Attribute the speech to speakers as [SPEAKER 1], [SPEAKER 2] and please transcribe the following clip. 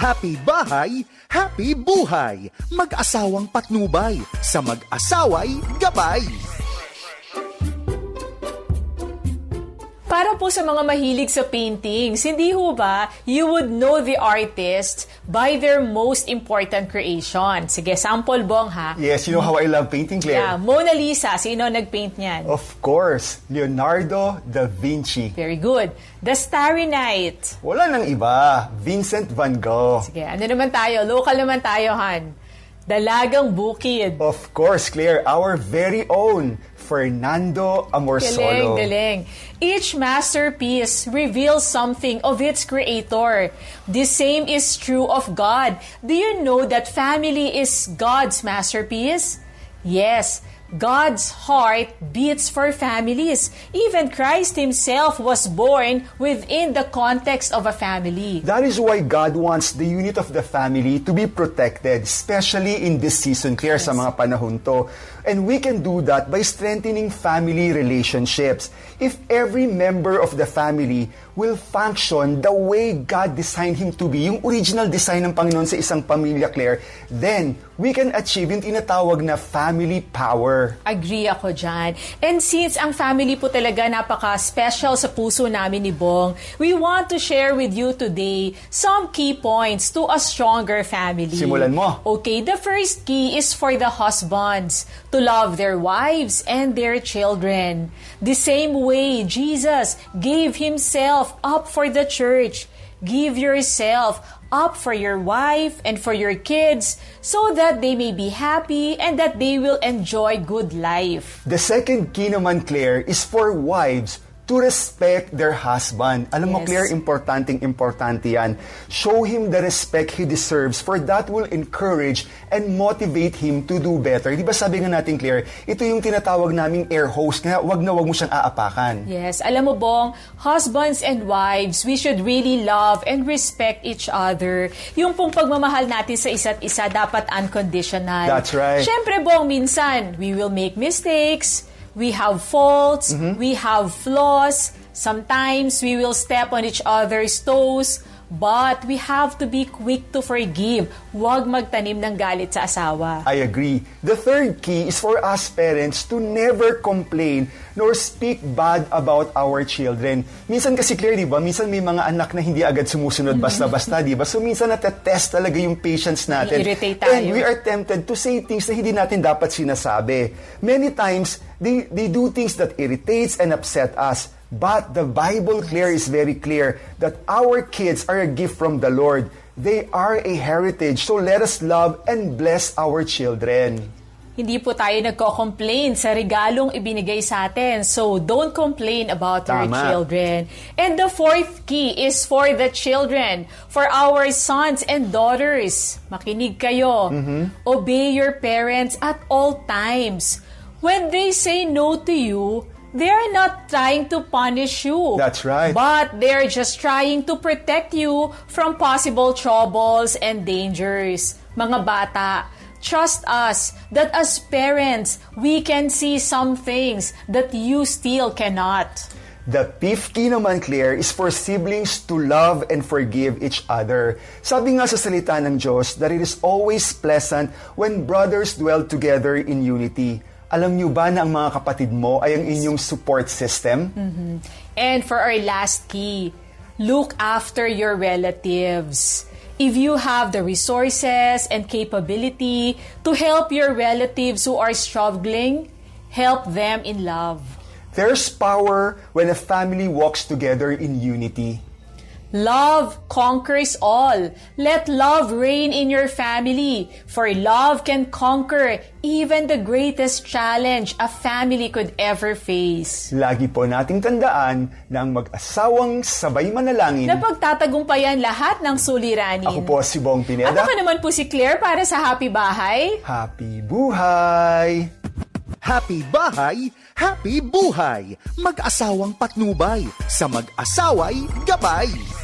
[SPEAKER 1] Happy bahay, happy buhay. Mag-asawang patnubay, sa mag-asaway gabay.
[SPEAKER 2] Para po sa mga mahilig sa paintings, hindi ho ba, you would know the artist by their most important creation. Sige, sample bong ha.
[SPEAKER 3] Yes, you know how I love painting, Claire?
[SPEAKER 2] Yeah, Mona Lisa, sino nag-paint niyan?
[SPEAKER 3] Of course, Leonardo da Vinci.
[SPEAKER 2] Very good. The Starry Night.
[SPEAKER 3] Wala nang iba, Vincent van Gogh.
[SPEAKER 2] Sige, ano naman tayo? Local naman tayo, Han. Dalagang Bukid.
[SPEAKER 3] Of course, Claire, our very own Fernando Amorsolo.
[SPEAKER 2] Galing. Each masterpiece reveals something of its creator. The same is true of God. Do you know that family is God's masterpiece? Yes, God's heart beats for families. Even Christ Himself was born within the context of a family.
[SPEAKER 3] That is why God wants the unit of the family to be protected, especially in this season, Claire, sa mga panahon to. And we can do that by strengthening family relationships. If every member of the family will function the way God designed him to be, yung original design ng Panginoon sa isang pamilya, Claire, then we can achieve yung tinatawag na family power.
[SPEAKER 2] Agree ako dyan. And since ang family po talaga napaka-special sa puso namin ni Bong, we want to share with you today some key points to a stronger family.
[SPEAKER 3] Simulan mo.
[SPEAKER 2] Okay, the first key is for the husbands to love their wives and their children. The same way Jesus gave Himself up for the church. Give yourself up for your wife and for your kids so that they may be happy and that they will enjoy good life.
[SPEAKER 3] The second key naman, Claire, is for wives to respect their husband. Alam mo,
[SPEAKER 2] Yes.
[SPEAKER 3] Claire, importante yan. Show him the respect he deserves, for that will encourage and motivate him to do better. Di ba sabi nga natin, Claire, ito yung tinatawag naming air hose, kaya wag na wag mo siyang aapakan.
[SPEAKER 2] Yes, alam mo Bong, husbands and wives, we should really love and respect each other. Yung pong pagmamahal natin sa isa't isa dapat unconditional.
[SPEAKER 3] That's right.
[SPEAKER 2] Siyempre Bong, minsan, we will make mistakes, we have faults, we have flaws, sometimes we will step on each other's toes, but we have to be quick to forgive. Huwag magtanim ng galit sa asawa.
[SPEAKER 3] I agree. The third key is for us parents to never complain nor speak bad about our children. Minsan kasi, Claire, di ba? Minsan may mga anak na hindi agad sumusunod basta-basta, di ba? So minsan natetest talaga yung patience natin.
[SPEAKER 2] I-irritate tayo.
[SPEAKER 3] And we are tempted to say things na hindi natin dapat sinasabi. Many times, they do things that irritates and upset us. But the Bible, Claire, is very clear that our kids are a gift from the Lord. They are a heritage. So let us love and bless our children.
[SPEAKER 2] Hindi po tayo nagko-complain sa regalong ibinigay sa atin. So, don't complain about your
[SPEAKER 3] Tama.
[SPEAKER 2] children. And the fourth key is for the children, for our sons and daughters. Makinig kayo. Obey your parents at all times. When they say no to you, they are not trying to punish you.
[SPEAKER 3] That's right.
[SPEAKER 2] But they're just trying to protect you from possible troubles and dangers. Mga bata, trust us that as parents, we can see some things that you still cannot.
[SPEAKER 3] The fifth key naman, Claire, is for siblings to love and forgive each other. Sabi nga sa salita ng Diyos that it is always pleasant when brothers dwell together in unity. Alam niyo ba na ang mga kapatid mo ay ang inyong support system?
[SPEAKER 2] And for our last key, look after your relatives. If you have the resources and capability to help your relatives who are struggling, help them in love.
[SPEAKER 3] There's power when a family walks together in unity.
[SPEAKER 2] Love conquers all. Let love reign in your family, for love can conquer even the greatest challenge a family could ever face.
[SPEAKER 3] Lagi po nating tandaan na ang mag-asawang sabay manalangin.
[SPEAKER 2] Na pagtatagumpayan lahat ng suliranin.
[SPEAKER 3] Ako po si Bong
[SPEAKER 2] At
[SPEAKER 3] Pineda.
[SPEAKER 2] ako naman po si Claire para sa Happy Bahay.
[SPEAKER 3] Happy buhay!
[SPEAKER 1] Happy bahay, happy buhay. Mag-asawang patnubay, sa mag-asaway gabay.